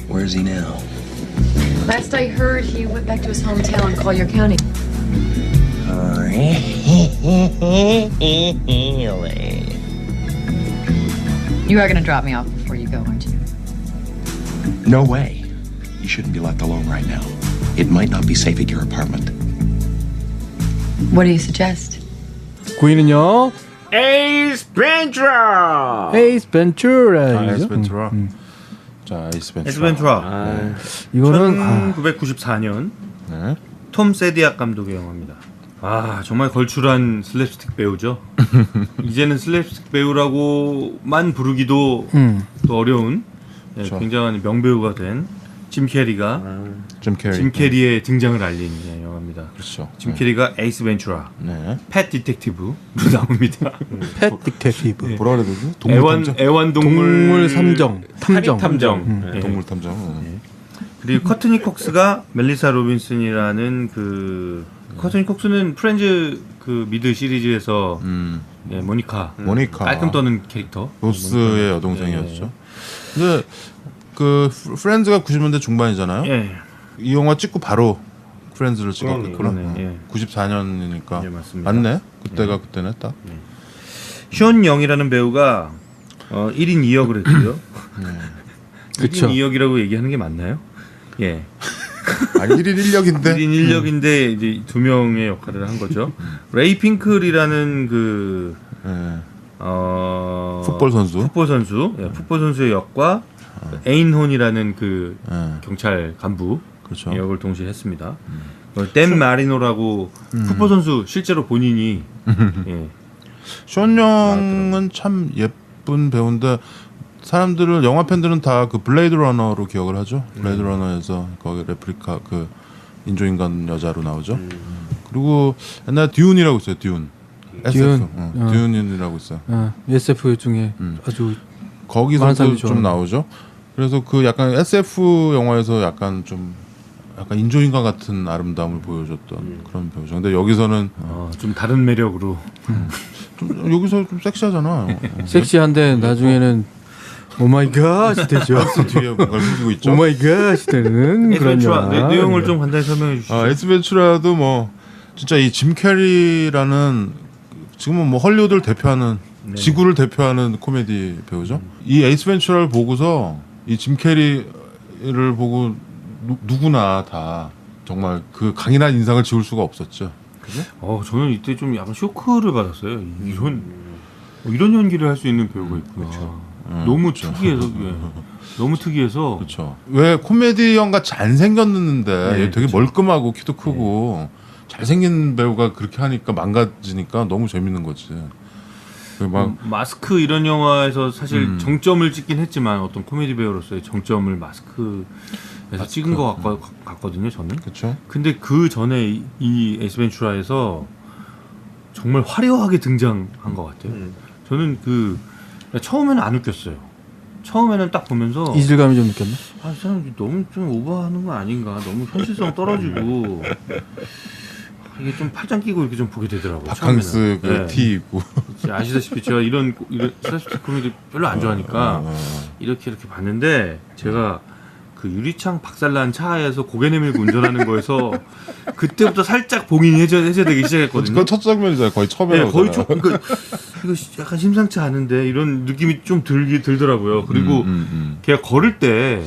Where's he now? Last I heard, he went back to his hometown in Collier County. Really? You are going to drop me off before you go, aren't you? No way. You shouldn't be left alone right now. It might not be safe at your apartment. What do you suggest? 9위는요. 에이스 벤츄라. 에이스 벤츄라. 에이스 벤츄라. 자, 에이스 벤츄라. 에이스 벤츄라. 이거는 1994년 네. 톰 세디악 감독의 영화입니다. 아, 정말 걸출한 슬랩스틱 배우죠. 이제는 슬랩스틱 배우라고만 부르기도 또 어려운 그렇죠. 굉장한 명배우가 된 짐 캐리가 짐 캐리의 등장을 알린 영화입니다. 그렇죠. 짐 캐리가 에이스 벤츄라, 네. 팻 디텍티브로 나옵니다. 팻 디텍티브. 뭐라 그래야 되지? 동물 탐정. 동물 삼정. 탐정. 탐정. 네. 동물 탐정. 그리고 커트니 콕스가 멜리사 로빈슨이라는 그 커트니 콕스는 프렌즈 그 미드 시리즈에서 예, 모니카 깔끔 떠는 캐릭터 로스의 여동생이었죠. 근데 그 프렌즈가 90년대 중반이잖아요. 예. 이 영화 찍고 바로 프렌즈를 찍었구나. 그러네. 예. 94년이니까 예, 맞습니다. 맞네. 그때가 그때는 딱. 션 영이라는 배우가 1인 2역을 했고요. 그쵸. 1인 2역이라고 얘기하는 게 맞나요? 예. 아니 1인 1역인데. 1인 1역인데 이제 두 명의 역할을 한 거죠. 레이 핑클이라는 그 풋볼 선수. 예, 풋볼 선수의 역과 에인혼이라는 그 경찰 간부 그렇죠. 역을 동시에 했습니다. 댄 마리노라고 풋볼 선수 실제로 본인이 예. 션 영은 참 예쁜 배우인데 사람들은 영화 팬들은 다 그 블레이드 러너로 기억을 하죠. 블레이드 러너에서 거기 레플리카 그 인조인간 여자로 나오죠. 그리고 옛날 듀운이라고 있어요. 듀운. SF. 듀운이라고 있어요. SF 중에 아주 거기서도 좀 나오죠. 그래서 그 약간 SF 영화에서 약간 인조인간 같은 아름다움을 보여줬던 그런 배우죠. 근데 여기서는 좀 다른 매력으로 좀 여기서 좀 섹시하잖아. 섹시한데 나중에는 오마이갓이 되죠. 뒤에 뭔가를 숨기고 있죠. 오마이갓이 되는 그런 영화. 내용을 좀 간단히 설명해 주시죠. 에이스 벤츄라도 뭐 진짜 이 짐 캐리라는 지금은 뭐 헐리우드를 대표하는 지구를 대표하는 코미디 배우죠. 이 에이스 벤츄라를 보고서 이 짐 캐리를 보고 누구나 다 정말 그 강인한 인상을 지울 수가 없었죠. 그죠? 저는 이때 좀 약간 쇼크를 받았어요. 이런 연기를 할 수 있는 배우가 있구나. 너무 특이해서 너무 특이해서. 그렇죠. 왜 코미디언 같이 안 생겼는데 얘 되게 그쵸. 멀끔하고 키도 크고 잘생긴 배우가 그렇게 하니까 망가지니까 너무 재밌는 거지. 막 마스크 이런 영화에서 사실 정점을 찍긴 했지만 어떤 코미디 배우로서의 정점을 마스크에서 찍은 것 같거든요. 저는. 그렇죠. 근데 그 전에 이 에이스 벤츄라에서 정말 화려하게 등장한 것 같아요. 저는 처음에는 안 웃겼어요. 처음에는 딱 보면서 이질감이 좀 느꼈나? 이 사람 너무 좀 오버하는 거 아닌가, 너무 현실성 떨어지고 이게 좀 팔짱 끼고 이렇게 좀 보게 되더라고요. 바캉스 그 티 입고. 아시다시피 제가 이런 슬랩스틱 코미디 별로 안 좋아하니까 이렇게 봤는데 제가 그 유리창 박살난 차에서 고개 내밀고 운전하는 거에서 그때부터 살짝 봉인이 해제되기 시작했거든요. 그건 첫 장면이잖아요. 거의 처음에. 네, 거의 이거 약간 심상치 않은데 이런 느낌이 좀 들더라고요. 그리고 걔가 걸을 때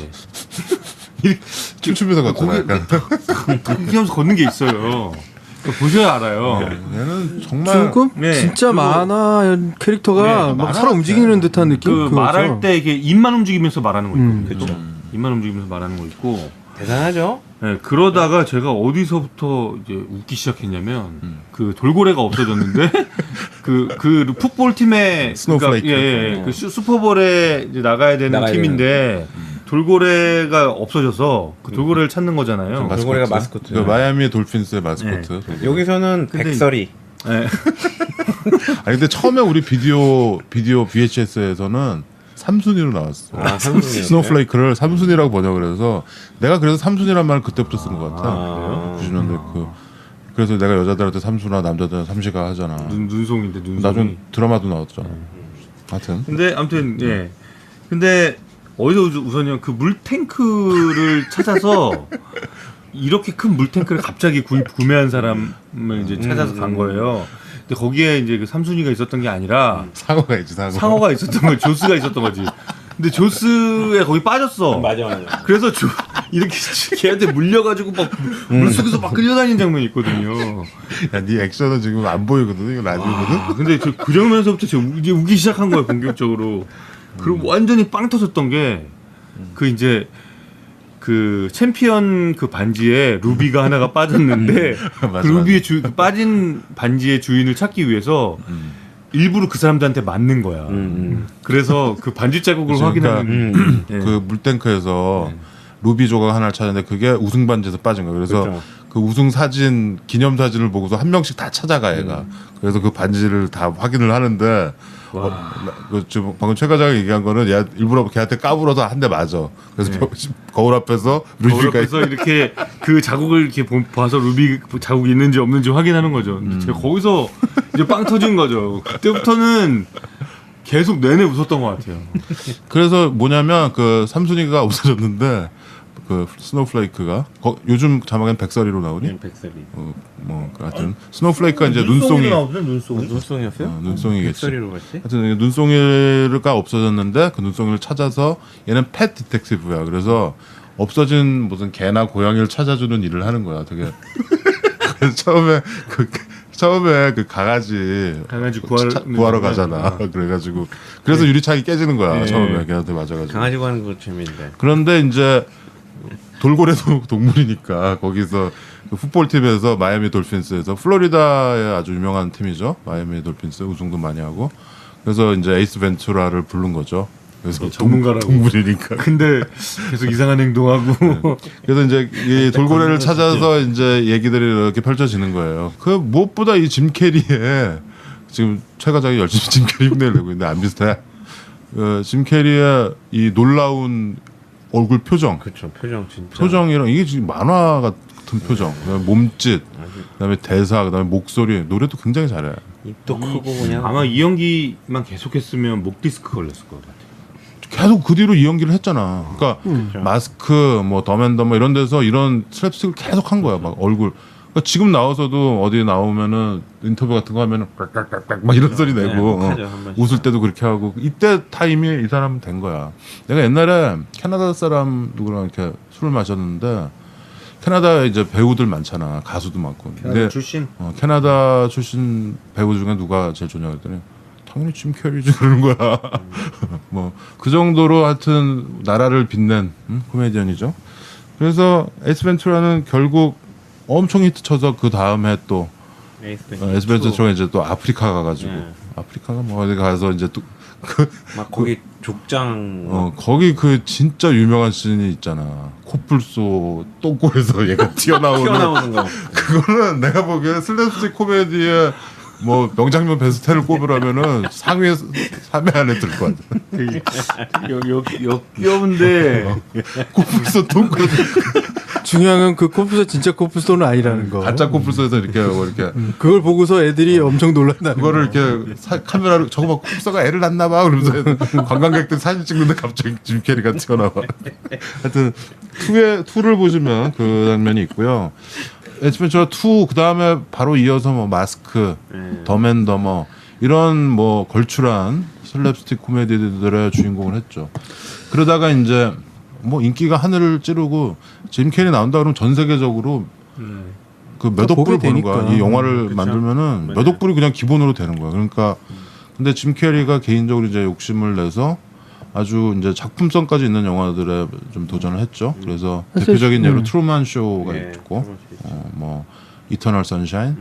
춤추면서 걷잖아요. 약간. 그렇게 하면서 걷는 게 있어요. 보셔야 알아요. 얘는 정말 조금 네. 진짜 그리고- 만화 캐릭터가 막 살아 움직이는 듯한 느낌. 그 그거죠. 말할 때 이게 입만 움직이면서 말하는 거 있거든요. 그렇죠. 입만 움직이면서 말하는 거 있고. 대단하죠? 네, 그러다가 제가 어디서부터 이제 웃기 시작했냐면 그 돌고래가 없어졌는데 그 풋볼 팀의 스노우플레이크. 그 슈퍼볼에 이제 나가야 되는 팀인데 돌고래가 없어져서 그 돌고래를 찾는 거잖아요. 돌고래가 마스코트. 그 마이애미 돌핀스의 마스코트. 여기서는 근데 백설이. 네. 아니 근데 처음에 우리 비디오 VHS에서는 삼순이로 나왔어. 아, 삼순이였어요? 스노우플레이크를 삼순이라고 번역을 해서 내가 그래서 삼순이란 말을 그때부터 쓴 것 같아. 그래요? 90년대 그래서 내가 여자들한테 삼순아 남자들한테 삼시가 하잖아. 눈송인데 눈송이. 나중 드라마도 나왔잖아. 하여튼 근데 아무튼 근데 어디서 우선요 그 물탱크를 찾아서 이렇게 큰 물탱크를 갑자기 구매한 사람을 이제 찾아서 간 거예요. 근데 거기에 이제 그 삼순이가 있었던 게 아니라 상어가 있지 상어가 있었던 거지, 조스가 있었던 거지. 근데 조스에 거기 빠졌어. 맞아. 그래서 이렇게 걔한테 물려가지고 막 물속에서 막 끌려다니는 장면이 있거든요. 야, 네 액션은 지금 안 보이거든. 이거 라디오거든. 아, 근데 그 장면에서부터 제가 이제 우기 시작한 거예요, 본격적으로. 그리고 완전히 빵 터졌던 게 그 이제 그 챔피언 그 반지에 루비가 하나가 빠졌는데 맞아, 그 루비의 그 빠진 반지의 주인을 찾기 위해서 일부러 그 사람들한테 맞는 거야. 그래서 그 반지 자국을 그치, 확인하는 예. 그 물탱크에서 루비 조각 하나를 찾았는데 그게 우승 반지에서 빠진 거야. 그래서 그렇죠. 그 우승 사진 기념 사진을 보고서 한 명씩 다 찾아가 얘가. 그래서 그 반지를 다 확인을 하는데 그 지금 방금 최 과장이 얘기한 거는 얘 일부러 걔한테 까불어서 한 대 맞아. 그래서 거울 앞에서 거울 루비가 앞에서 이렇게 그 자국을 이렇게 봐서 루비 자국이 있는지 없는지 확인하는 거죠. 근데 제가 거기서 이제 빵 터진 거죠. 그때부터는 계속 내내 웃었던 것 같아요. 그래서 뭐냐면 그 삼순이가 없어졌는데 그 스노우플레이크가 요즘 자막엔 백설이로 나오니? 백설이. 뭐 하여튼 스노우플레이크가 이제 눈송이 눈송이였어요? 눈송이겠지. 백설이로 갔지? 하여튼 눈송이가 없어졌는데 그 눈송이를 찾아서 얘는 펫 디텍티브야. 그래서 없어진 무슨 개나 고양이를 찾아주는 일을 하는 거야. 되게 그래서 처음에 그 강아지 구하러 가잖아. 그래가지고 그래서 유리창이 깨지는 거야. 처음에 걔한테 맞아가지고. 강아지 구하는 거 재밌는데. 그런데 이제 돌고래도 동물이니까 거기서 그 풋볼팀에서 마이애미 돌핀스에서 플로리다의 아주 유명한 팀이죠. 마이애미 돌핀스 우승도 많이 하고 그래서 이제 에이스 벤투라를 부른 거죠. 그래서 전문가라고. 동물이니까. 근데 계속 이상한 행동하고 그래서 이제 이 돌고래를 찾아서 이제 얘기들이 이렇게 펼쳐지는 거예요. 그 무엇보다 이 짐 캐리의 지금 최 과장이 열심히 짐 캐리 흉내를 내고 있는데 안 비슷해. 짐 캐리의 이 놀라운 얼굴 표정. 그렇죠. 표정 진짜. 표정이랑 이게 지금 만화 같은 표정. 그다음에 몸짓, 그다음에 대사, 그다음에 목소리, 노래도 굉장히 잘해. 입도 크고 그냥. 아마 이 연기만 계속했으면 목 디스크 걸렸을 것 같아요. 계속 그 뒤로 이 연기를 했잖아. 그러니까 마스크, 뭐 덤앤덤 이런 데서 이런 슬랩스틱을 계속 한 거야. 막 얼굴. 그러니까 지금 나와서도 어디 나오면은 인터뷰 같은 거 하면은 깍깍깍깍 막 이런 소리 내고 하죠, 한 번씩. 웃을 때도 그렇게 하고 이때 타임이 이 사람 된 거야. 내가 옛날에 캐나다 사람 누구랑 이렇게 술을 마셨는데 캐나다에 이제 배우들 많잖아. 가수도 많고. 근데 출신? 캐나다 출신 배우 중에 누가 제일 좋냐 그랬더니 당연히 짐 캐리지 그러는 거야. 뭐 그 정도로 하여튼 나라를 빛낸 코미디언이죠. 그래서 에이스 벤투라는 결국 엄청 히트 쳐서 그 다음에 또 에이스 벤투라가 이제 또 아프리카 가가지고 아프리카가 뭐 어디 가서 이제 또 막 거기 족장. 거기 그 진짜 유명한 씬이 있잖아. 코뿔소 똥꼬에서 얘가 튀어나오는 거. 그거는 내가 보기에 슬랩스틱 코미디의 뭐 명장면 베스트를 꼽으라면은 상위 3회 안에 들 것 같아. 역겨운데 코뿔소 똥꼬 중요한 건 그 코뿔소 진짜 코뿔소는 아니라는 거. 가짜 코뿔소에서 이렇게 하고 이렇게 그걸 보고서 애들이 엄청 놀란다는 그거를 거. 이렇게 카메라로 저거 막 코뿔소가 애를 낳나 봐 그러면서 관광객들 사진 찍는데 갑자기 짐 캐리가 튀어나와. 하여튼 2를 보시면 그 장면이 있고요. 에스펜처 2 그 다음에 바로 이어서 뭐 마스크, 덤앤더머 이런 뭐 걸출한 슬랩스틱 코미디들의 주인공을 했죠. 그러다가 이제 뭐 인기가 하늘을 찌르고 짐 캐리 나온다 그러면 전 세계적으로 그 몇 억불을 버는 거야. 이 영화를 만들면은 몇 억불이 그냥 기본으로 되는 거야. 그러니까 근데 짐 캐리가 개인적으로 이제 욕심을 내서 아주 이제 작품성까지 있는 영화들에 좀 도전을 했죠. 그래서 대표적인 예로 트루만 쇼가 있고, 뭐 이터널 선샤인.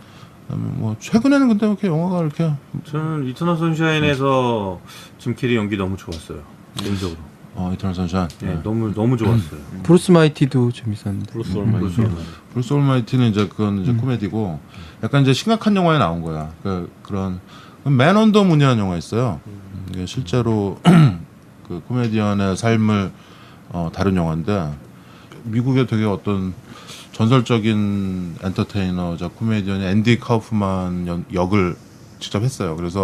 뭐 최근에는 근데 이렇게 영화가 이렇게 저는 이터널 선샤인에서 짐 캐리 연기 너무 좋았어요. 개인적으로. 이터널 선샤인. 네, 너무 좋았어요. 브루스 마이티도 재밌었는데. 브루스 올마이티는 이제 그건 이제 코미디고, 약간 이제 심각한 영화에 나온 거야. 그런 맨 언더 문이라는 영화 있어요. 이게 실제로 그 코미디언의 삶을 다룬 영화인데 미국의 되게 어떤 전설적인 엔터테이너자 코미디언이 앤디 카우프만 역을 직접 했어요. 그래서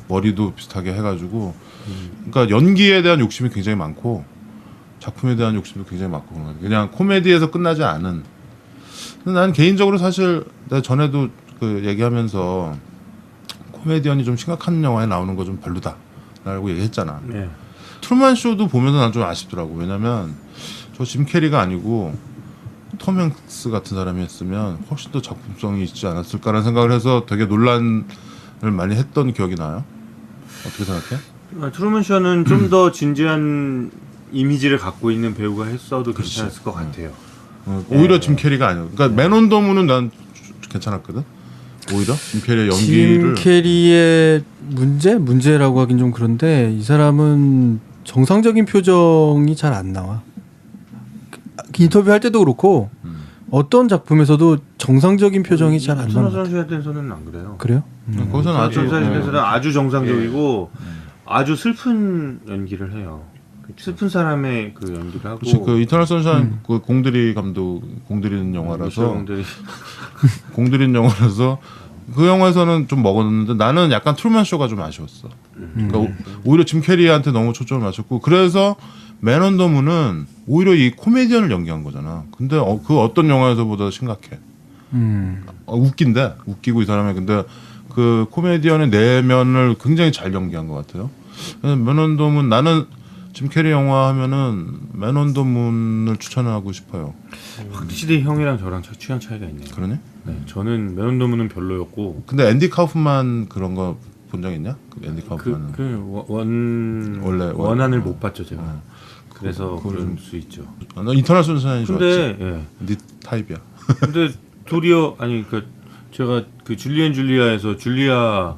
머리도 비슷하게 해가지고 그러니까 연기에 대한 욕심이 굉장히 많고 작품에 대한 욕심도 굉장히 많고 그런 거예요. 그냥 코미디에서 끝나지 않은. 근데 난 개인적으로 사실 내가 전에도 그 얘기하면서 코미디언이 좀 심각한 영화에 나오는 거 좀 별로다라고 얘기했잖아. 네. 트루먼 쇼도 보면서 난 좀 아쉽더라고. 왜냐면 저 짐 캐리가 아니고 톰 행스 같은 사람이 했으면 훨씬 더 작품성이 있지 않았을까라는 생각을 해서 되게 논란을 많이 했던 기억이 나요. 어떻게 생각해? 트루먼 쇼는 좀 더 진지한 이미지를 갖고 있는 배우가 했어도 괜찮았을 것 같아요. 오히려 짐 캐리가 아니야. 그러니까 맨 온 더 문은 난 괜찮았거든. 오히려 짐 캐리의 짐 연기를 캐리의 문제라고 하긴 좀 그런데 이 사람은 정상적인 표정이 잘 안 나와. 인터뷰 할 때도 그렇고 어떤 작품에서도 정상적인 표정이 잘 안 나와. 선수에 대해서는 안 그래요. 그래요? 거기서는 아주 선수에서는 아주 정상적이고 아주 슬픈 연기를 해요. 슬픈 사람의 그 연기를 하고. 그치, 그 이터널 선샤인 그 공들이 감독 공들이는 영화라서 공들이. 공들인 영화라서 그 영화에서는 좀 먹었는데 나는 약간 트루먼 쇼가 좀 아쉬웠어. 그러니까 오히려 짐 캐리한테 너무 초점을 맞췄고 그래서 맨 온 더 문은 오히려 이 코미디언을 연기한 거잖아. 근데 그 어떤 영화에서보다 심각해. 웃긴데 웃기고 이 사람이 근데 그 코미디언의 내면을 굉장히 잘 연기한 것 같아요. 맨 온 더 문 나는 짐 캐리 영화 하면은 맨 온 더 문을 추천하고 싶어요. 확실히 형이랑 저랑 취향 차이가 있네요. 그러니? 네, 저는 맨 온 더 문은 별로였고. 근데 앤디 카우프만 그런 거 본 적 있냐? 그 앤디 카우프만은 원래 원안을 못 봤죠 제가. 그래서 그걸 그럴 수 있죠. 너 인터넷 순산이 좋았지. 근데 예. 네 타입이야. 근데 도리어 아니 그 제가 그 줄리엔 줄리아에서 줄리아를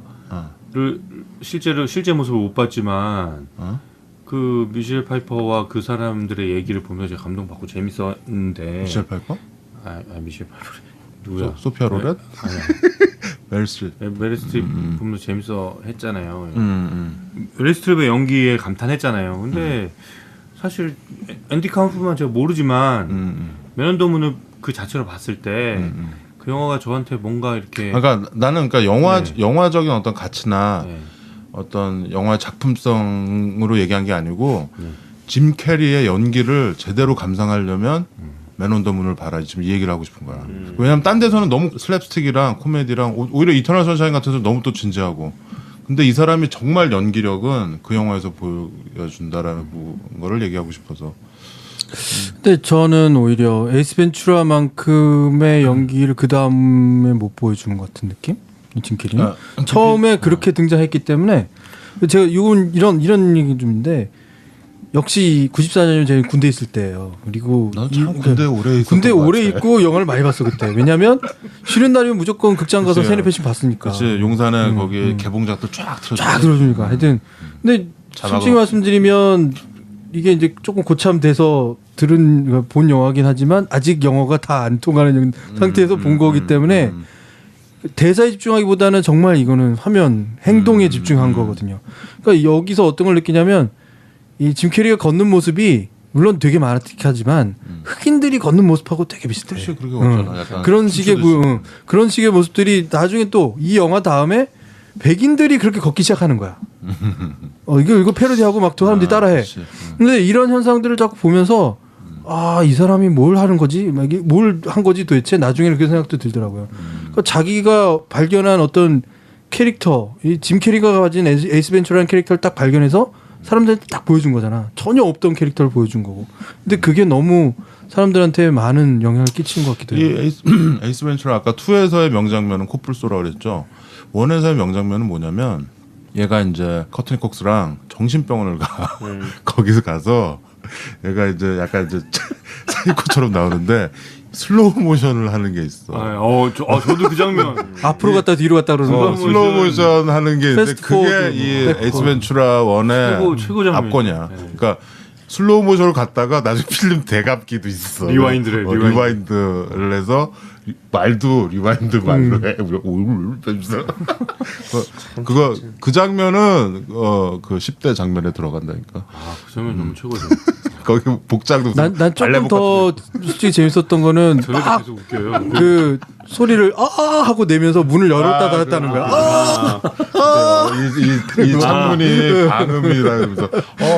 실제 모습을 못 봤지만 그 미셸 파이퍼와 그 사람들의 얘기를 보면서 제가 감동받고 재밌었는데. 미셸 파이퍼? 미셸 파이퍼 누구야? 소피아 로렛? 아니야. 메릴 스트립. 메릴 스트립 보면서 재밌어 했잖아요. 메릴 스트립의 연기에 감탄했잖아요. 근데 사실 앤디 카우프만 제가 모르지만 맨 온 더 문을 그 자체로 봤을 때 그 영화가 저한테 뭔가 이렇게 그러니까 나는 그러니까 영화적인 어떤 가치나 네. 어떤 영화 작품성으로 얘기한 게 아니고 짐 캐리의 연기를 제대로 감상하려면 맨 온 더 문을 봐라 지금 이 얘기를 하고 싶은 거야. 왜냐면 딴 데서는 너무 슬랩스틱이랑 코미디랑 오히려 이터널 선샤인 같은 데서 너무 또 진지하고 근데 이 사람이 정말 연기력은 그 영화에서 보여준다라는 거를 얘기하고 싶어서. 근데 저는 오히려 에이스 벤츄라만큼의 연기를 그 다음에 못 보여준 것 같은 느낌? 짐 캐리는 처음에 그렇게 등장했기 때문에 제가 이런 얘기 좀인데 역시 94년이면 제가 군대 있을 때예요. 그리고 난참 군대 오래 있었던 군대 것 오래 같아. 있고 영화를 많이 봤어 그때. 왜냐면 쉬는 날이면 무조건 극장 가서 그치. 세네 편씩 봤으니까. 그치 용산에 거기 개봉작들 쫙 틀어줘. 쫙 들어주니까. 하여튼 근데 솔직히 말씀드리면 이게 이제 조금 고참돼서 본 영화긴 하지만 아직 영어가 다 안 통하는 상태에서 본 거기 때문에 대사에 집중하기보다는 정말 이거는 화면 행동에 집중한 거거든요. 그러니까 여기서 어떤 걸 느끼냐면 이 짐 캐리가 걷는 모습이 물론 되게 마라틱하지만 흑인들이 걷는 모습하고 되게 비슷해. 사실 그렇게 없잖아. 약간 그런 식의 그런 식의 모습들이 나중에 또 이 영화 다음에 백인들이 그렇게 걷기 시작하는 거야. 이거 패러디하고 막 또 사람들이 따라해. 근데 이런 현상들을 자꾸 보면서 이 사람이 뭘 하는 거지? 뭘 한 거지 도대체? 나중에는 그런 생각도 들더라고요. 그러니까 자기가 발견한 어떤 캐릭터, 이 짐 캐리가 가진 에이스 벤츄라는 캐릭터를 딱 발견해서 사람들한테 딱 보여준 거잖아. 전혀 없던 캐릭터를 보여준 거고. 근데 그게 너무 사람들한테 많은 영향을 끼친 것 같기도 해요. 이 에이스 벤츄라 아까 2에서의 명장면은 코뿔소라고 그랬죠. 1에서의 명장면은 뭐냐면 얘가 이제 커트니 콕스랑 정신병원을 가. 거기서 가서 얘가 이제 약간 이제 사이코처럼 나오는데 슬로우 모션을 하는 게 있어. 저도 그 장면 앞으로 갔다 뒤로 갔다 그러는 거. 슬로우 모션 하는 게 있는데 패스트 그게 포워드, 이 백포. 에이스 벤츄라 1의 최고 장면. 압권이야. 네. 그러니까 슬로우 모션을 갔다가 나중에 필름 대갑기도 있어. 리와인드를 해서 말도 리와인드 말로 해. 그거 그 장면은 그 10대 장면에 들어간다니까. 그 장면 너무 최고죠. 거기 복장도 난 조금 더 솔직히 재밌었던 거는 저래도 계속 웃겨요. 그 소리를 하고 내면서 문을 열었다 닫았다는 거야. 이 창문이 방음이라 그러면서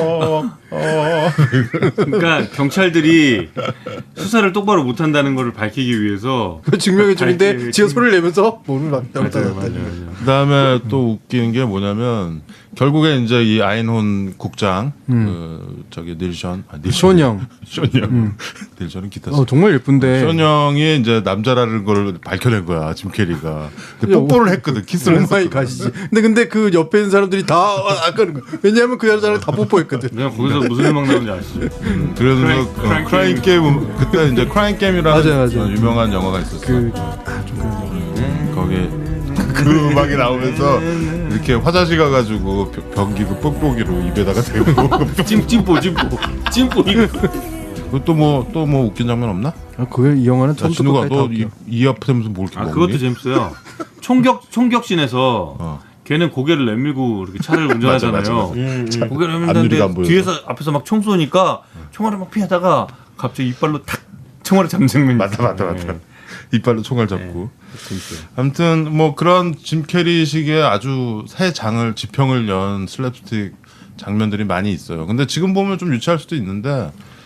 그러니까 경찰들이 수사를 똑바로 못한다는 걸 밝히기 위해서 그 증명해 주는데 밝히기- 지가 소리를 내면서 문을 닫았다 맞아요, 닫았다. 맞아요. 그다음에 또 웃기는 게 뭐냐면 결국에 이제 이 아인혼 국장 그 저기 닐션 쇼형. 쇼형 닐션은 기타 정말 예쁜데. 쇼형이 이제 남자라는 걸 밝혀낸 거야 짐 캐리가. 근데 뽀뽀를 했거든 키스를 오마이 했었거든. 가시지. 근데 그 옆에 있는 사람들이 다 아까는 거야. 왜냐하면 그 여자랑 다 뽀뽀했거든. 그냥 거기서 무슨 음악 나오는지 아시죠? 그래서 크라잉 크라잉 게임 그때 이제 크라잉 게임이라는 맞아요. 유명한 영화가 있었어. 그 거기 그 음악이 나오면서 이렇게 화장실 가가지고 변기 그 뽁뽁이로 입에다가 대고 찜뽀 이거. 또 뭐 웃긴 장면 없나? 이 영화는 야, 처음부터 진우가 끝까지 다 너 웃겨. 이 앞에서 뭘 이렇게 아 먹니? 그것도 재밌어요. 총격신에서 걔는 고개를 내밀고 이렇게 차를 운전하잖아요. 고개를 앞유리가 안 내밀는데 보여서. 뒤에서 앞에서 막 총 쏘니까 총알을 막 피하다가 갑자기 이빨로 탁 총알을 잡는 장면이 맞다. 있어요. 이빨로 총알 잡고. 재밌어요. 아무튼 뭐 그런 짐 캐리식의 아주 새 장을 지평을 연 슬랩스틱 장면들이 많이 있어요. 근데 지금 보면 좀 유치할 수도 있는데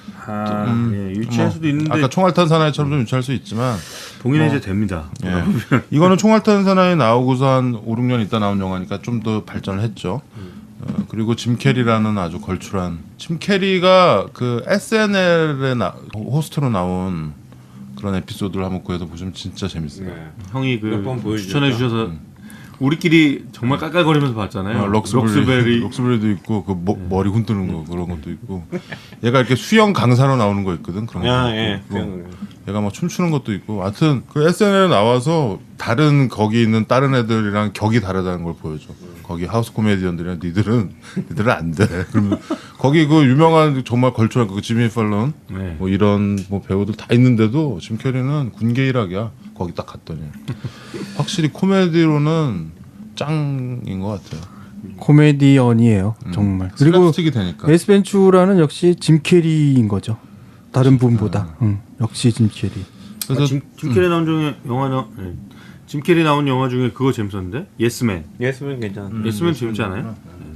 예, 유치할 수도 있는데 아까 총알탄 사나이처럼 좀 유치할 수 있지만 봉인은 이제 됩니다. 예. 이거는 총알탄 사나이 나오고서 한 5, 6년 있다 나온 영화니까 좀 더 발전을 했죠. 그리고 짐 캐리라는 아주 걸출한 짐 캐리가 그 SNL에 호스트로 나온 그런 에피소드를 한번 구해서 보시면 진짜 재밌어요. 형이 몇번 그 보여주셨다. 추천해 주셔서 우리끼리 정말 깔깔거리면서 봤잖아요. 록스베리도 있고 그 머리 흔드는 거 그런 것도 있고 얘가 이렇게 수영 강사로 나오는 거 있거든 그런 거. 예. 있고. 얘가 막 춤추는 것도 있고 하여튼 그 SNL에 나와서 다른 거기 있는 다른 애들이랑 격이 다르다는 걸 보여줘. 거기 하우스 코미디언들이랑 니들은 안 돼. 그러면 거기 그 유명한 정말 걸출한 그 지미 펠런 네. 뭐 이런 뭐 배우들 다 있는데도 짐 캐리는 군계 일학이야. 거기 딱 갔더니 확실히 코미디로는 짱인 것 같아요. 코미디언이에요. 정말. 그리고 슬랩스틱이 되니까. 에이스 벤츄라는 역시 짐 캐리인 거죠. 다른 분보다. 역시 짐 캐리. 그래서 짐 캐리 나온 중에 짐 캐리 나온 영화 중에 그거 재밌었는데 예스맨. 예스면 괜찮아. 예스맨 재밌지 않아요?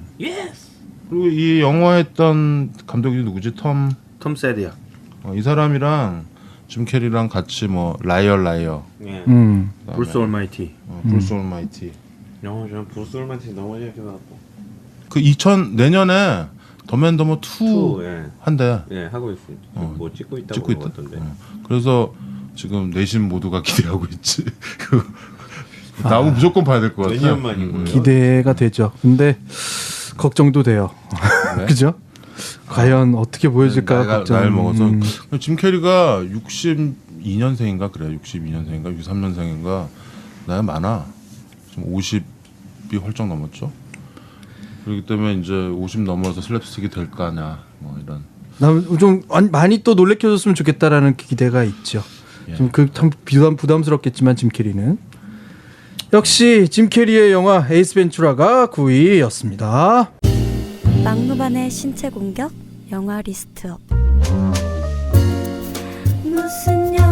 그리고 이 영화 했던 감독이 누구지? 톰 세디악. 이 사람이랑 짐 캐리랑 같이 뭐 라이어 예. 브루스 올마이티. 브루스 올마이티 영화 저는 브루스 올만티 너무 재밌게 봤고. 그 내년에 더맨더머 2 예. 한대. 예, 하고 있어요. 뭐 찍고 있다고 찍고 있다. 같던데. 그래서 지금 내신 모두가 기대하고 있지. 나오면 무조건 봐야 될 것 같아. 내년 만이고요. 기대가 되죠. 근데 걱정도 돼요. 네? 그죠? 과연 어떻게 보여질까 걱정. 나이를 먹어서 짐 캐리가 62년생인가 그래. 62년생인가 63년생인가 나이 많아. 지금 50이 훌쩍 넘었죠. 그렇기 때문에 이제 50 넘어서 슬랩스틱이 될 거냐 뭐 이런. 좀 많이 또 놀래켜줬으면 좋겠다라는 기대가 있죠. 예. 참 부담스럽겠지만 짐 캐리는 역시 짐 캐리의 영화 에이스 벤츄라가 9위였습니다. 막무반의 신체 공격 영화 리스트업 무슨